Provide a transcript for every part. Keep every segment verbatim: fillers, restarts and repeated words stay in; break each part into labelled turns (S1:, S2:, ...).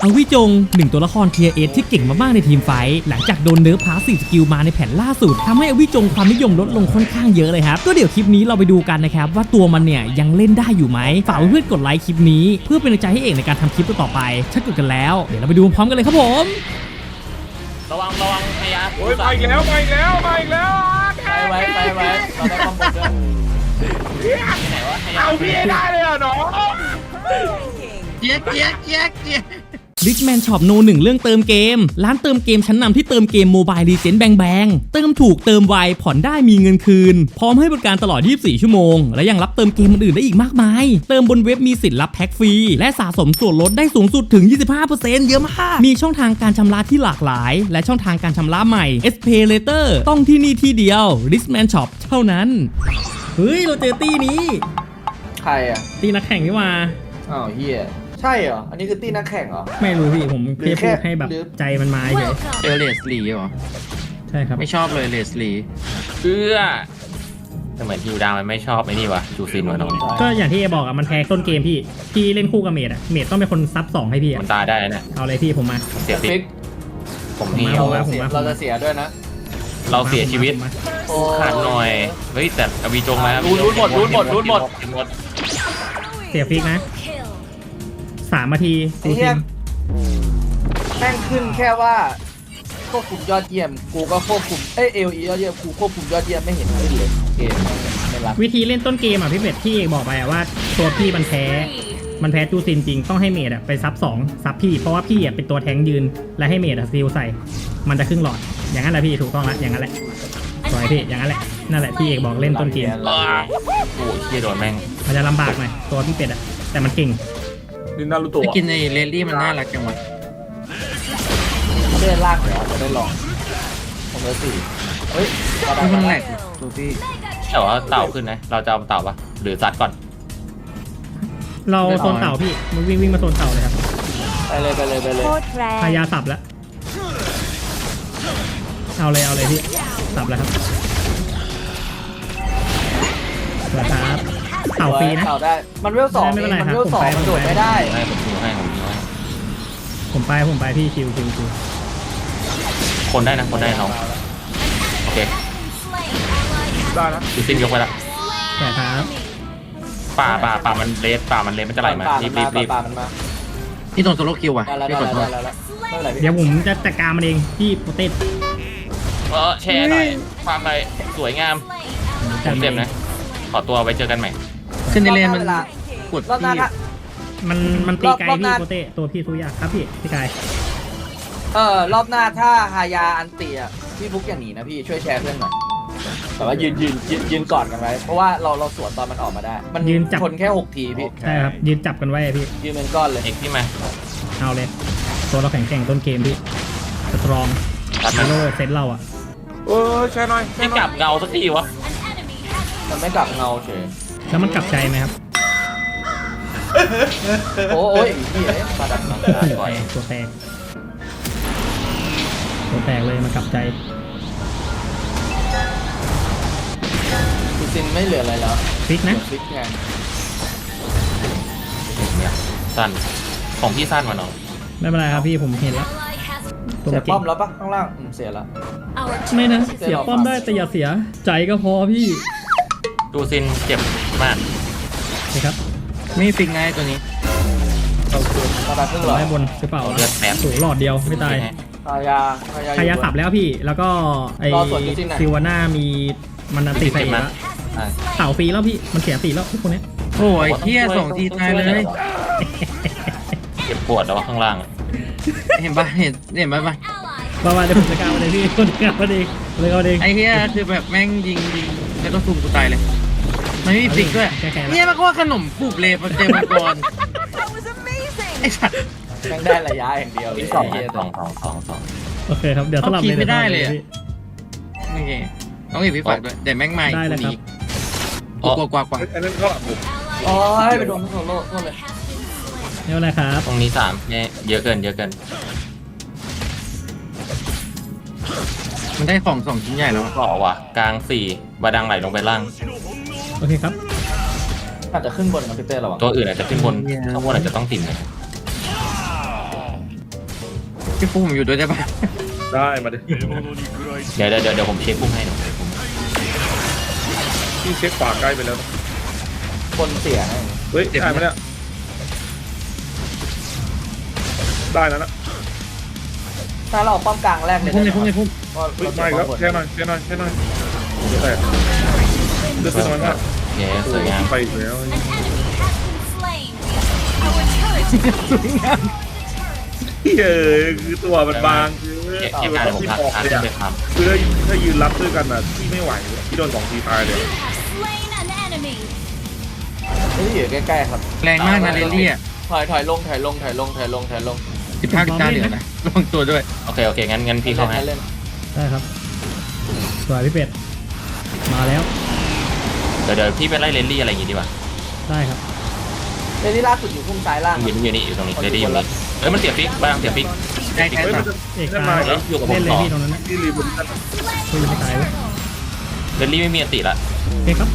S1: อวิจงหนึ่งตัวละครเทียร์เอที่เก่งมากๆในทีมไฟท์หลังจากโดนเนิร์ฟพาสซีฟสกิลมาในแผ่นล่าสุดทำให้อวิจงความนิยมลดลงค่อนข้างเยอะเลยครับก็เดี๋ยวคลิปนี้เราไปดูกันนะครับว่าตัวมันเนี่ยยังเล่นได้อยู่ไหมฝากเพื่อนๆกดไลค์คลิปนี้เพื่อเป็นกำลังใจให้เอกในการทำคลิปต่อไปถ้ากดกันแล้วเดี๋ยวเราไปดูพร้อมกันเลยครับผม
S2: ระวังระวังพยา
S3: โอ้ยมาอีกแล้วมาอีกแล้วมาอีกแล้ว
S2: ไปไว้ไปไว้เราได้ความบดด้วยที่ไหนวะพยา
S3: เอาพี่ได้เลยอ่ะน้อง
S2: เจี๊ยกเจี๊ยกเจี๊ยกเจี๊ยก
S1: ริชแมนช็อปโนหนึ่งเรื่องเติมเกมร้านเติมเกมชั้นนำที่เติมเกมโมบายลีเจนด์แบงแบงเติมถูกเติมไวผ่อนได้มีเงินคืนพร้อมให้บริการตลอดยี่สิบสี่ชั่วโมงและยังรับเติมเกมอื่นได้อีกมากมายเติมบนเว็บมีสิทธิ์รับแพ็คฟรีและสะสมส่วนลดได้สูงสุดถึง ยี่สิบห้าเปอร์เซ็นต์ เยอะมากมีช่องทางการชำระที่หลากหลายและช่องทางการชำระใหม่ เอส เพย์ Later ต้องที่นี่ที่เดียว Richman Shop เท่านั้นเฮ้ยเราเจอตี้นี้
S4: ใครอ่ะ
S1: ตี้นักแข่งนี่มา
S4: อ้าวเฮียใช่เหรออันนี้คือตี้นักแข่งเหรอ
S1: ไม่รู้พี่ผมแค่พูดให้แบบใจมันมาเฉย
S2: เจอเลสลีเหรอ
S1: ใช่ครับ
S2: ไม่ชอบเลยเลสลีเพื่อแต่เหมือนฮิวดามันไม่ชอบไอ้นี่วะจูซินวะน้อง
S1: ก็อย่างที่เอบอกอ่ะมันแพ้ต้นเกมพี่พี่เล่นคู่กับเมดอ่ะเมดต้องเป็นคนซับสองให้พี่อ่ะ
S2: มันตายได้นะ
S1: เอาเลยพี่ผมมา
S2: เสียฟิกผมนี่
S4: เราจะเสียด้วยนะ
S2: เราเสียชีวิตขาดหน่อยเฮ้ยแต่อวีจงมา
S4: รูดหมดรูดหมดรูดหมด
S1: เสียฟิกนะสามนาที
S4: กูทิมแม่งขึ้นแค่ว่าควบคุมยอดเยี่ยมกูก็ควบคุมเอเอลียอดเยี่ยมกูควบคุมยอดเยี่ยมไม่เห็นขึ้นเลยเกมไม่รับ
S1: วิธีเล่นต้นเกมอ่ะพี่เป็ดที่เอกบอกไปว่าตัวพี่มันแพ้มันแพ้จูซินจริงต้องให้เมดอ่ะไปซับสองซับพี่เพราะว่าพี่อ่ะเป็นตัวแทงยืนและให้เมดอ่ะซีลใส่มันจะครึ่งหลอดอย่างนั้นแหละพี่ถูกต้องละอย่างนั้นแหละสวยพี่อย่างนั้นแหละนั่นแหละที่เอกบอกเล่นต้นเกม
S2: โอ้ยเชี่ยโดนแม่ง
S1: มันจะลำบากหน่อยตัวพี่เป็ดอ่ะแต่มันเก่ง
S3: ดินนารูโตะ
S2: กินในเรลลี่มันน่ารักจังวะ
S4: เล่นลากเหรอจะได้ลองผมเลยสี่เฮ้ย
S2: มันแหลกตัวพี่แต่ว่าเต่าขึ้นนะเราจะเอาเต่าปะหรือซัดก่อน
S1: เราโซนเต่าพี่มึงวิ่งวิ่งมาโซนเต่าเลยครับ
S4: ไปเลยไปเลยไปเลย
S1: พายาสับแล้วเอาเลยเอาเลยพี่สับแล้วครับสวัสดีครับเต่าฟรีนะ
S4: เต่าได้มันเวลสองมันเวลสองมันโดดไม่ได้
S2: ให้ผมดูให้ผมดูให้
S1: ผมไปผมไปพี่คิวคิวคิว
S2: คนได้นะคนได้น้องโอเค
S3: ได้นะ
S2: ดูซินยกไปละ
S1: แต่ครับ
S2: ป่าป่าป่ามันเลสป่ามันเลสมันจะไหลมารีบรีบรีบนี่โดนโซโล่คิวอ่ะพี่กดโทษ
S1: เดี๋ยวผมจะจัดการมันเองพี่โปเต้
S2: เออแชร์หน่อยความไปสวยงามผมเต็มนะขอตัวไว้เจอกันใหม่
S4: ขึ้นในเลนมันกดพี่
S1: มันมันตีไกลพี่โปเต้ตัวพี่ทุยากครับพี่ตีไกล
S4: เออรอบหน้าถ้าฮายาอันเตียพี่ฟุกอย่างนี้นะพี่ช่วยแชร์เพื่อนหน่อยแต่ว่ายืนยืนยืนยืนกอดกันไว้เพราะว่าเราเราสวนตอนมันออกมาได้มันยืนจับคนแค่หกทีพี่
S1: ใช่ครับยืนจับกันไว้พี่
S4: ยืนเป็นก้อนเลย
S2: เอกพี่มา
S1: เอาเลยตัวเราแข็งแกร่งต้นเกมพี่สตรองฮัลโหลเซตเราอ่ะ
S3: เออใช่หน่อย
S2: ไม่กลับเงาสักทีวะ
S4: มันไม่กลับเงาเฉย
S1: แล้วมันกลับใจไหมครับ
S4: โอ้ยพี่เอ๋มาดับมา
S1: บ่อยตัวแตกตัวแตกเลยมันกลับใจ
S4: จูซินไม่เหลืออะไรแล้ว
S1: ฟิกนะ
S4: ฟิกไง
S2: สั้นของพี่สั้นมาเนาะ
S1: ไม่เป็นไรครับพี่ผมเห็นแล้ว
S4: เสียป้อมแล้วปะข้างล่างเสียแล้ว
S1: ไม่นะเสียป้อมได้แต่อย่าเสียใจก็พอพี่
S2: จูซินเจ็บมาก
S1: นะครับ
S2: ไม่ฟิกไงตัวนี้
S4: เราคือตาตาขึ้นหรอ
S1: ไม่บนหรือเปล่า
S2: เลือดแผล
S1: สูงหลอดเดียวไม่ตาย
S4: พายา
S1: พายาสับแล้วพี่แล้วก็ไอซิวาน่ามีมันนันตีใส่แล้วเต่าฟรีแล้วพี่มันเสียตีแล้วทุกคนเนี้ย
S2: โอ้ยเที่ยสองทีตายเลยเจ็บปวดแล้วข้างล่างเห็นปะเห็นเห็นปะปะ
S1: ประมาณเดี๋ยวผมจะก้าวมาเลยพี่คนก้าวมาเลยเลยก้าวเอง
S2: ไอ้เหี้ยคือแบบแม่งยิงยิงแล้วก็ซุ่มกูตายเลยไม่มีฟิกด้วยเนี่ยมันก็ว่าขนมปูบเลยมันเจอมังกรไอ้สัตว์
S4: แม่งได้ระยะอย่างเดียวเลย
S2: สองสองสองสองสอง
S1: โอเคครับเดี๋ยวสลับ
S2: ไม่ได้เลยโอเคต้องอีกพี่ฝากด้วยแต่แม่งใหม่
S1: ได้เลยครับ
S2: กว่ากว่ากว่า
S3: อันนั้นก็ผม
S4: อ๋อให้ไปโดนโซโล่ก็เลย
S1: เท่าไรครับ
S2: ตรงนี้สามเนี่ยเยอะเกินเยอะเกินมันได้ของสองชิ้นใหญ่แล้วก็ว่ะกลางสี่บาดังไหลลงไปล่าง
S1: โอเคครับ
S4: อาจจะขึ้นบนนะพี่เต้ระวัง
S2: ตัวอื่นอาจจะขึ้นบนข้างบนอาจจะต้องติ่มเลยพี่ฟุกผมอยู่ด้วยได้ปะ
S3: ได้มาดิ
S5: เดี๋ยวเดี๋ยวเดี๋ยวเดี๋ยวผมเช็คพุ่งให้หน่อย
S3: พี่เช็คฝาใกล้ไปแล้วนะ
S4: คนเสียให้
S3: เฮ้ยได้ไหมเนี่ยได้แล้วนะ
S4: ถ้าเราป้อมกลางแรกเลย
S2: พุ่งเลยพุ่งเลยพุ่ง
S4: ว่า
S3: เฮ้ยไม่แล้วแค่หน่อยแค่หน่อยแค่หน่อยเดี๋ยวแตกเลือดน้อยมาก
S5: โอเคสวยงาม
S3: ไปอีกแล้ว
S6: An enemy has been slain. Our turret
S2: สวยงาม
S3: เฮ้ยคือตัวมันบางคือ
S5: เก็บเก็บการผมทักทักขึ้นไปทำ
S3: คือถ้าถ้ายืนรับด้วยกันอ่ะพี่ไม่ไหวเลยพี่โดนสองทีตายเลย
S6: you have slain an enemy.
S4: เฮ้ยอยู่ใกล้ๆครับ
S2: แรงมากนะเรลลี่อ่ะ
S4: ถอยถอยลงถอยลงถอยลงถอยลงถอยลง
S2: สิบห้าสิบเก้าเหรียญนะระวังตัวด้วย
S5: โอเคโอเคงั้นงั้นพี่เข้าให้
S4: เล่น
S1: ได้ครับสวยพี่เป็ดมาแล้ว
S5: เดี๋ยวเดี๋ยวพี่ไปไล่เลนลี่อะไรอย่างงี้ดีกว่า
S1: ได้ครับ
S4: เล่นที่ล่าสุดอยู่พุ่งซ้ายล่าง
S5: อยู่นี่อยู่นี่อยู่ตรงนี้เลนลี่อยู่นี่เอ้ยมันเสียฟิกบ้างเสียฟิก
S2: ได้แค่
S3: เฮ้ย
S2: สา
S3: มั
S2: ม
S3: นจะ
S1: เอก
S3: จะ
S1: ตา
S3: มา
S1: ย
S3: แล้ว
S5: อยู่กับผ
S1: เล่
S5: ม
S1: นเลย
S5: ต่อ
S1: พี่ตรงนั้นนะ
S3: ที่รีบนกัน
S1: คุยจะไม่ตายวะ
S5: เลนลี่ไม่มีอันติละ
S1: โอเคครับ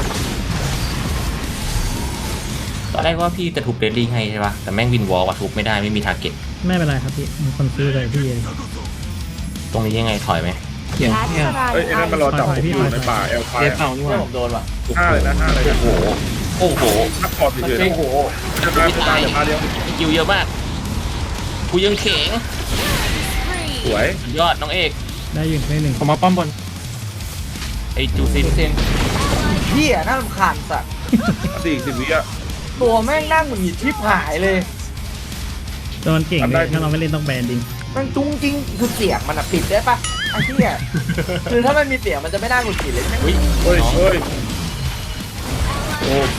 S5: ตอนแรกว่าพี่จะทุบเลนลี่ให้ใช่ปะแต่แม่งวินวอลว่ะทุบไม่ได้ไม่มีทาร์เก็ต
S1: ไม่เป็นไรครับพี่มีคนซื้อเลยพี่เอง
S5: ตรงนี้ยังไงถอยไหม
S2: เขียนเนี่ย
S3: เฮ้ยไอ้นั่นมันรอจับผมอยู่ในป่าแอลไฟ
S2: เรียนเป่านี่ห
S4: เพื่อ
S2: ว่า
S4: ผมโดนว่ะ
S3: ห้าเลยนะห้าเลยนะ
S5: โอ้โหโอ้โห
S3: ทักคอร์ด
S4: มัน
S3: เฉยๆ
S4: โอ้
S3: นะ
S4: โห
S3: จะตายจะตายจะตายเดียว
S5: คิวเยอะมากกูยังเข่ง
S3: สวย
S5: สุดยอดน้องเอก
S1: ได้อยู่ได้หนึ่ง
S2: ผมมาป้อมบน
S5: ไอ้จูซิน
S4: เซนเฮียน่ารำคาญสัตว์
S3: สี่สิบวิอ่ะ
S4: ตัวแม่งนั่งเหมือนหงิดชิบหายเลย
S1: ตัวมันเก่งเลยถ้าเราไม่เล่นต้องแบนดิง
S4: มันจุ้งจริงคือเสียงมันอะปิดได้ปะไอ้เหี้ยคือถ้ามันมีเสียงมันจะไม่น่าหงุดหงิดเลยแม่ง
S5: อุ้ย
S3: เฮ้ย
S5: น้อง
S3: เฮ้ยโอเค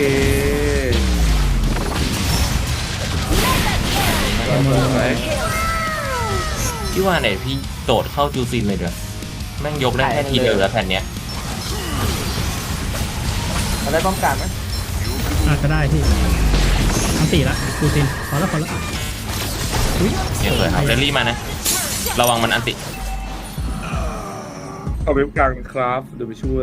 S5: สวยพี่ว่าไหนพี่โดดเข้าจูซินเลยเด้อแม่งยกได้แค่ทีเดียวแล้วแผ่นเนี้ย
S4: มันได้ป้องกันไหม
S1: อาจจะได้พี่อันตีละกูซินพอแล้วพอแล้วอุ้ย
S5: เนี่ยสวยครับเรลลี่มานะ ระวังมันอันติ
S3: เอาเว็บกลางครับเดี๋ยวไปช่วย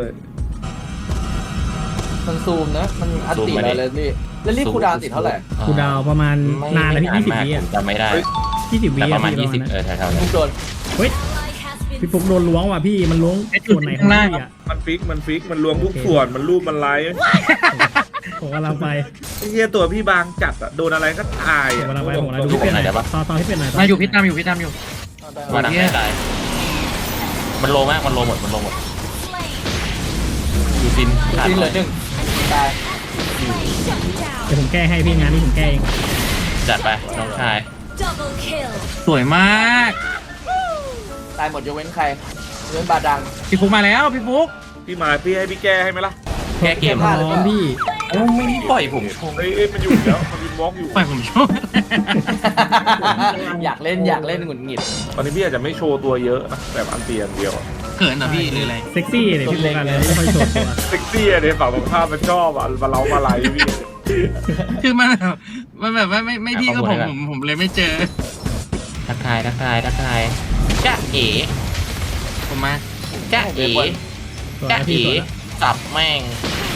S4: มันซูมนะมันอันติเราเลยนี่แล้วรีบคูลดาวน์ติดเท่าไหร่
S1: กูดาวประมาณ
S5: ไม่
S1: นานแล้วพี่
S5: ไม่
S1: ยี่สิบ
S5: มาก
S1: วิ
S5: ผ
S1: อ่ะ
S5: มจำไม่ได้
S1: ยี่สิบวิ
S5: แต่
S1: อ่ะ
S5: ประมาณ
S1: พี่
S5: ยี่สิบ
S1: นั้น
S5: เออแถวๆนั้
S4: ทุ
S5: น
S4: กโดน
S1: เฮ้ย
S6: Ally has been
S1: พี่ปุ๊กโดนล้วงว่ะพี่มันล้วงส่วนไหนของพี่อ่ะ
S3: มันฟิกมันฟิกมันรวมทุกส่วนมันรูปมันไลฟ์
S1: ผมกำลังไป
S3: ไอ้เหี้ยตัวพี่บางจัดอ่ะโดนอะไรก็ตาย
S1: ผม
S3: อ่ะ
S1: กำลังไปผมกำลังดูพี่เป็ดหน่อยต่อต่อพี่เป็ดหน่อย
S2: มาอยู่พี่ตามอยู่พี่ตามอยู่
S5: มาดังไม่ได้มันโลมากมันโลหมดมันโลหมด
S6: slain.
S5: จูซินขาด
S4: ทีเห
S5: เล
S4: ลือย หนึ่งตาย
S6: Shut down.
S1: เดี๋ยวผมแก้ให้พี่งานนี้ผมแก้เอง
S5: จัดไปน้องชาย
S6: Double kill.
S2: สวยมาก
S4: ตายหมดยกเว้นใครยกเว้นบาดัง
S2: พี่ฟุกมาแล้วพี่ฟุก
S3: พี่มาพี่ให้พี่แก้ให้ไหมล่ะ
S5: แก้เกม
S1: พร้อมพี่
S5: โอ้ไม่ปล่อยผมชง
S3: เอ้ยเอ้ยมันอยู่แล้วมันวินวอล์กอยู่
S2: ปล่อยผมชอบ
S4: อยากเล่นอยากเล่นหงุดหงิด
S3: ตอนนี้พี่อาจจะไม่โชว์ตัวเยอะนะแบบอันเตียนเดียวอะ
S2: เขินเหรอพี่หรืออะไร
S1: เซ็กซี่เลยพี่ปุ๊กกันเลยไม่ค่อยโชว์ตัว
S3: เซ็กซี่อะเนี่ยฝั่งตรงข้ามมันชอบอ่ะมาเล้ามาไลฟ์พี่
S2: คือมันแบบมันแบบว่าไม่ไม่พี่ก็ผมผมผมเลยไม่เจอ
S5: ทักทายทักทายทักทายจ้าเอ๋
S2: ผมมา
S5: จ้าเอ๋
S1: สวย
S5: จ้า
S1: นะพี่
S5: เอ๋
S1: สวยนะ
S5: สับแม่ง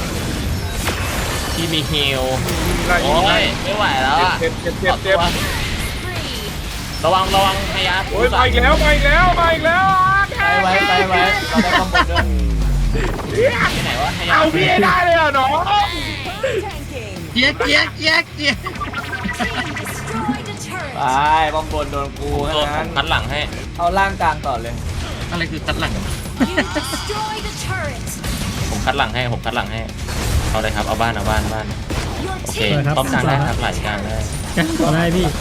S5: ที่มีฮิล
S3: ไล่
S5: โอ้
S3: ไล่
S5: ยไม่ไหวแล้วอ่ะ
S3: เจ็บเจ็บเจ็บเจ็บ
S6: Three.
S5: ระวังระวังพยา
S3: โอ้ยมาอีกแล้วมาอีกแล้วมาอีกแล้ว
S4: ไปไว้ไปไว้เราได้ข้อมูลด้วย
S5: ที่ไหนวะพยา
S3: เอาพี่ให้ได้เลยเหรอน้อง
S2: เจี๊ยกเจี๊ยกเจี๊ยกเจี๊ยก
S6: Destroyed a turret.
S4: ไปบอมบนโดนกู
S5: โด
S4: แค่
S5: น
S4: นั้น
S5: พันหลังให้
S4: เอาล่างกลางต่อเลย
S2: อะไรคือตัดหลัง
S6: You destroyed a turret.
S5: ผมคัดหลังให้ผมคัดหลังให้เอาเลยครับเอาบ้านเอาบ้านบ้าน
S6: Your
S5: โอเค
S6: team
S1: ครับ
S5: ป้อมกลางได้ครับไหลกลางได้
S1: แก้ต่อได้พี่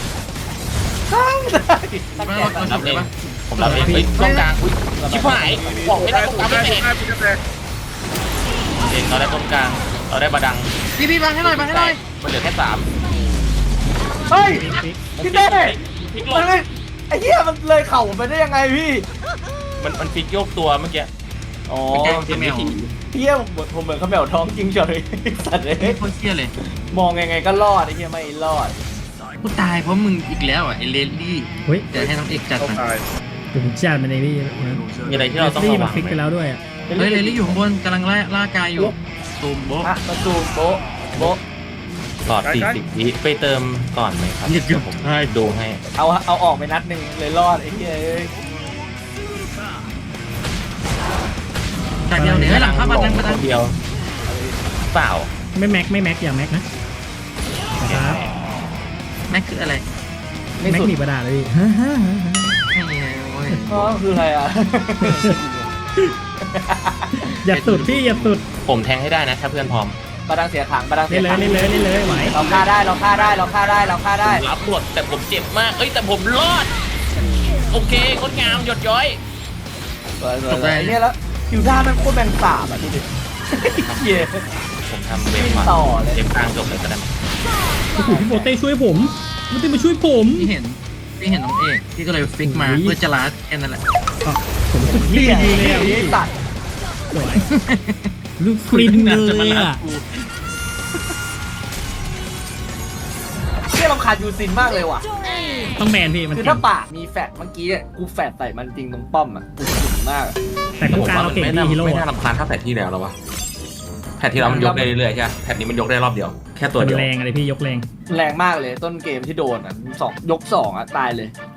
S2: ไม่เราเรา
S5: รับ
S2: ทำ
S5: เอ
S2: ได้
S5: ง
S2: ปะ
S5: ผมรับเองเฮ้ยตรงกลางอุ้ยชิบหายบอกไม่ได้ตรงกลางไม่
S3: ได้
S5: เป็น
S3: ได้พี่จะแตก
S5: เองเราได้ตรงกลางเราได้บาดัง
S2: พี่พี่มาให้หน่อยมาให้หน่อย
S5: มันเหลือแค่สาม
S4: เฮ้ย
S1: ปิ๊ก
S4: พี่เต้
S5: พลิกล
S4: มัน
S5: ง
S4: ไม่ไอ้เหี้ยมันเลยเข่าผมไปได้ยังไงพี่
S5: มันมันพลิกโยกตัวเมื่อกี้
S4: อ๋อ
S2: แกงจะแมว
S4: เหี้ยผมผมเหมือนเขาแมวท้องจริงเฉยสัตว์เลย
S2: โคตรเชี่ยเลย
S4: มองยังไงก็รอดไอ้เหี้ยไม่รอด
S2: กูตายเพราะมึงอีกแล้วอ่ะไอเลนลี่
S1: เฮ้ย
S2: เดี๋ยวให้น้องเอกจัด
S3: เข้า
S2: มัน
S3: ตาย
S1: เดี๋ยวผมจัดมันในพี่นะ
S5: มีอะไรที่เราต้อง
S1: ซี่
S5: ระ
S1: มั
S5: วัน ง
S1: ฟิก
S5: ไห
S1: ไป
S5: ม
S1: แล้วด้วยอะ
S2: เฮ้ยเลนลี่อยู่ข้างบนกำลังล่าล่ากายอยู่ตูมโบ๊ะ
S4: อ่ะมาซูมโบะโบะ
S5: หลอดสี่สิบวิไปเติมก่อนไหมครับ
S2: เดี๋ยวผม
S5: ดูให้
S4: เอาเอาออกไปนัดหนึ่งเลยรอดไอ้เหี้ยเอ้ย
S2: จากเดียวเหนือหลังเข้ามาทางมา
S5: ค
S2: ทาง
S5: นเดียวเปล่า
S1: ไม่แม็กไม่แม็กอย่าแม็กนะ ครับ
S2: แม็กคืออะไร
S4: ไม่
S1: แม็ก
S4: สุด
S1: หนีบดาเลย
S2: ไม่มีอะไรโอ้ย
S4: อ๋อคืออะไรอ่ะ
S1: อย่าสุดพี่อย่าสุด
S5: ผมแทงให้ได้นะถ้าเพื่อนพร้อม
S4: บาดังเสียขังบาดังเสี
S1: เล่
S4: ย
S1: นเลย
S4: ขัง
S1: เล่นเลยเล่นเลยไหว
S4: เราฆ่าได้เราฆ่าได้เราฆ่าได้เราฆ่าได้
S5: รับบทแต่ผมเจ็บมาก เอ้ยแต่ผมรอด โอเคงดงามหยดย้อย
S4: สวยๆไอ้เนี่ยแล้วคิวท่ามันโคตรแบงสาบอ่ะดูดิเหี้ย
S5: ผมทำเวฟ
S4: วิ่ง
S5: มา
S4: ต่อเลย
S5: เวฟกลางจบเลยก็ได้มั้ย
S1: โอ้โหพี่โปเต้ช่วยผมโปเต้มาช่วยผม
S2: ที่เห็นที่เห็นน้องเอกที่ก็เลยฟิกมา
S1: อุ้ย
S2: เพื่อจะลาแค่นั้นแหละ
S1: ผมสุดที่ดีเลยอ่ะพี่
S4: ไอ้สัตว์
S1: สวยลูกฟรินเลยอ่ะ
S4: เหี้ยรำคาญยูซินมากเลยว่ะ
S6: Victory.
S1: ต้องแบนพี่มัน
S4: คือ
S1: เก่
S4: ถ้าง ปากมีแฟดเมื่อกี้เนี่ยกูแฟดใส่มันจริงตรงป้อมอ่ะกูสุดมากอะ
S1: แต่คู่กลางเราเก่ง
S5: ไม่
S1: ดี
S5: น่า
S1: ฮีโร่
S5: ไม่น่ารำคาญเท่าแพทที่แล้วหรอวะแพทที่แล้วมันยกได้เรื่อยๆใช่ไหมแพทนี้มันยกได้รอบเดียว แค่ตัว
S1: มัน
S5: เดียว
S1: แรงอะไรพี่ยกแรง
S4: แรงมากเลยต้นเกมที่โดนอ่ะสองยกสองอ่ะตายเลย